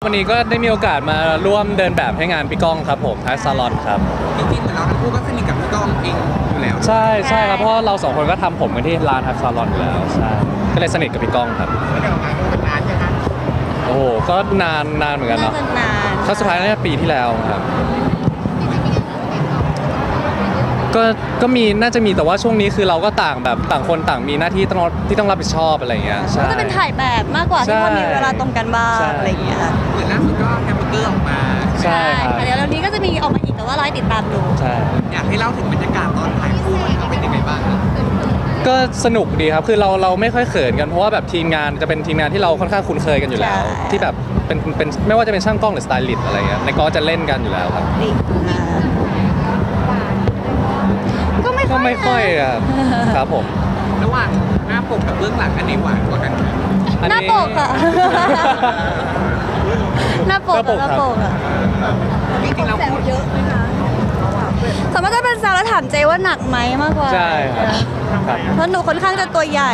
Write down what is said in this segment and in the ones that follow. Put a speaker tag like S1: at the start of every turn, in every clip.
S1: วันนี้ก็ได้มีโอกาสมาร่วมเดินแบบให้งานพี่ก้องครับผมทักซาลอนครับ
S2: จริงๆเหมือนเราทั้งคู่ก็สนิทกับพี่ก้องเองอยู่แล้ว
S1: ใช่ครับเพราะเราสองคนก็ทำผมกันที่ร้านทักซาลอนอยู่แล้วใช่ก็เลยสนิทกับพี่ก้องครับ
S2: ไม่ได้ออกงานคู่กันนานใช่ไหม
S1: โอ้โหก็นานเหมือนกันเนาะ
S3: นาน
S1: ครั้งสุดท้ายน่าจะปีที่แล้วครับก็มีน่าจะมีแต่ว่าช่วงนี้คือเราก็ต่างแบบต่างคนต่างมีหน้าที่ต้องรับผิดชอบอะไรอย่างเงี้ยใช่
S3: ก็จะเป็นถ่ายแบบมากกว่าที่พอมีเวลาตรงกันบ้างอะไรอย่างเงี้ย
S2: เหมือนล่าสุดก็แฮมเบอร์เกอร์ออกมา
S1: ใช่ครับ
S3: เดี๋ยวนี้ก็จะมีออกมาอีกแต่ว่ารอติดตามดู
S1: ใช่
S2: อยากให้เล่าถึงบรรยากาศตอนถ่ายคู่มันเป็นยังไงบ้างครับ
S1: ก็สนุกดีครับคือเราไม่ค่อยเขินกันเพราะว่าแบบทีมงานจะเป็นทีมงานที่เราค่อนข้างคุ้นเคยกันอยู่แล้วที่แบบเป็นไม่ว่าจะเป็นช่างกล้องหรือสไตลิสต์อะไรเงี้ยในกองจะเล่นกันอยู่แล้วครับ
S3: ก็ไม่
S1: ค่อยครับผม
S2: ระหว่างหน้าปกกับเบื้องหลังอันไหนหวานกว่ากัน
S3: หน้าปกค่ะหน้าปกอ่ะ
S2: จริงๆเราพูดเยอะไหมคะ
S3: สมมติจะเป็นสาวแล้วถามเจว่าหนักไหมมากกว่า
S1: ใช่ครับ
S3: เพราะหนูค่อนข้างจะตัวใหญ่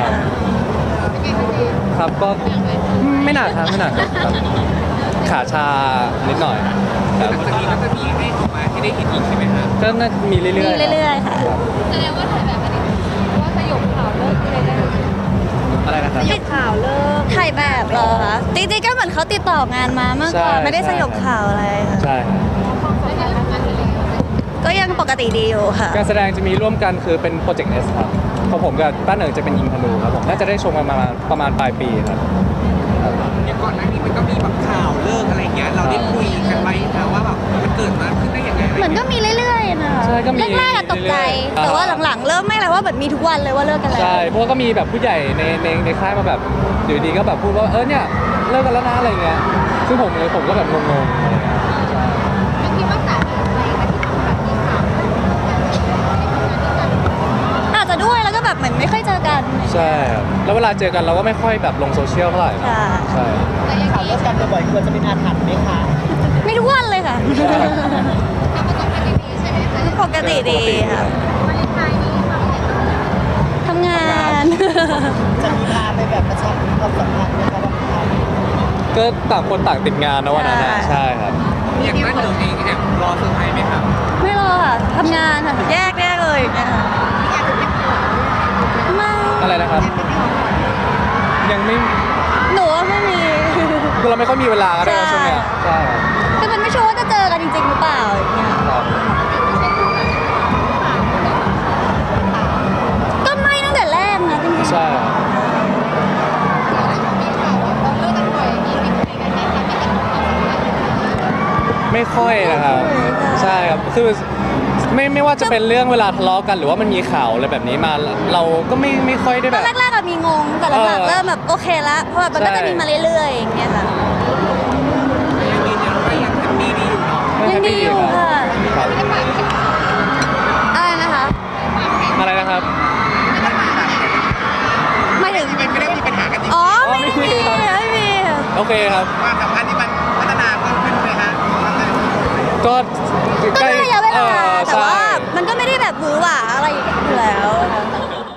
S1: ครับก็ไม่หนักครับขาชานิดหน่อย
S2: หลังจากนี้ก็จะมีให้ออกมาที่ได้เห็นอีกใช่ไหมครับ
S1: ก็น่ามีเรื่อย
S3: ๆค่ะ
S4: แสดงว่าถ่ายแบบอันนี้ว่าสยบข่าวเลิกเลยได้
S1: อะไรนะครับ
S4: สยบข่าวเลิก
S3: ถ่ายแบบเหรอคะจริงๆก็เหมือนเขาติดต่องานมามากกว่าไม่ได้สยบข่าวอะไรค่ะ
S1: ใช่
S3: ก็ยังปกติดีอยู่ค่ะ
S1: การแสดงจะมีร่วมกันคือเป็นโปรเจกต์ S ครับของผมกับป้าเหนิงจะเป็นยิงธนูครับผมน่าจะได้ชมกันประมาณปลายปีครับ
S2: อย่างก่อนหน้านี้มันก็มีแบบข่าวเลิกอะไรเงี้ยเราได้คุยกันไหมนะว่าแบบมันเกิดมาขึ้นได้ยังไง
S3: เหมือนก็มีเรื่อยๆนะคะแรกๆตกใจแต่ว่าหลังๆเริ่มไม่แล้วว่าแบบมีทุกวันเลยว่าเลิกกันแล้ว
S1: ใช่เพราะก็มีแบบผู้ใหญ่ในค่ายมาแบบอยู่ดีก็แบบพูดว่าเนี่ยเลิกกันแล้วนะอะไรเงี้ยซึ่งผมก็แบบงงๆอะไรเงี้ย
S4: ไม่คิดว่าสาเหตุอะไรที่ทำแบบนี้ข่าว
S3: อาจจะด้วยแล้วก็แบบเหมือนไม่ค่อยเจอกัน
S1: ใช่ครับแล้วเวลาเจอกันเราก็ไม่ค่อยแบบลงโซเชียลเท่าไหร่ใช่
S2: ข่าวเลิกกันบ่อยๆควรจะเป็นอาถรรพ์ไหมคะ
S3: ไม่ทุกวันเลยค่ะ
S4: ทำประสบการณ์ดีๆใช่ไหมคะ
S3: ปกติดีค่ะ
S4: วันไทยนี้
S3: ทำงาน
S2: จะมีพาไปแบบประชับความสัมพันธ์ไหมคะวันไทย
S1: ก็ต่างคนต่างติดงานนะวันนั้นใช่ครับ
S2: อย่างนั้นเองแอบรอเซอร์ไพรส์ไหมครับ
S3: ไม่รอค่ะทำงานค่ะแยกเลยไม่
S1: อะไรนะครับยังไม่
S3: หนูว่าไม่มี
S1: คือเราไม่ค่อยมีเวลาก็ได้ช่วงนี้ใช่
S3: คือมันไม่ชัวร์ว่าจะเจอกันจริงๆหรือเปล่าอย่างเงี้ยก็ไม่ตั้งแต่แรกนะจริงๆ
S1: ใช่ไม่ค่อยนะครับใช่ครับคือไม่ว่าจะเป็นเรื่องเวลาทะเลาะกันหรือว่ามันมีข่าวอะไรแบบนี้มาเราก็ไม่ค่อยได้แบบ
S3: แรกๆมีงงแต่หลังๆเริ่มแบบโอเคละเพราะแบบมันก็จะมีมาเรื่อยๆอย่างเงี้ยค่ะ
S2: ยังยืนยันว่ายังแฮปปี้ดีอยู่เนาะ
S3: ยังดีอยู่ค่ะอะไรนะคะไม่ถึง
S2: ไม่ได้มีปัญหากันจริง
S3: อ๋อไม่มี
S1: โอเคครับ
S2: ความสัมพันธ์ที่มันพัฒนาเพิ่มขึ้นเลยฮะ
S1: ก็
S3: ใช้ระยะเวลาแต่ว่ามันก็ไม่ได้แบบหวือหวาอะไรอยู่แล้ว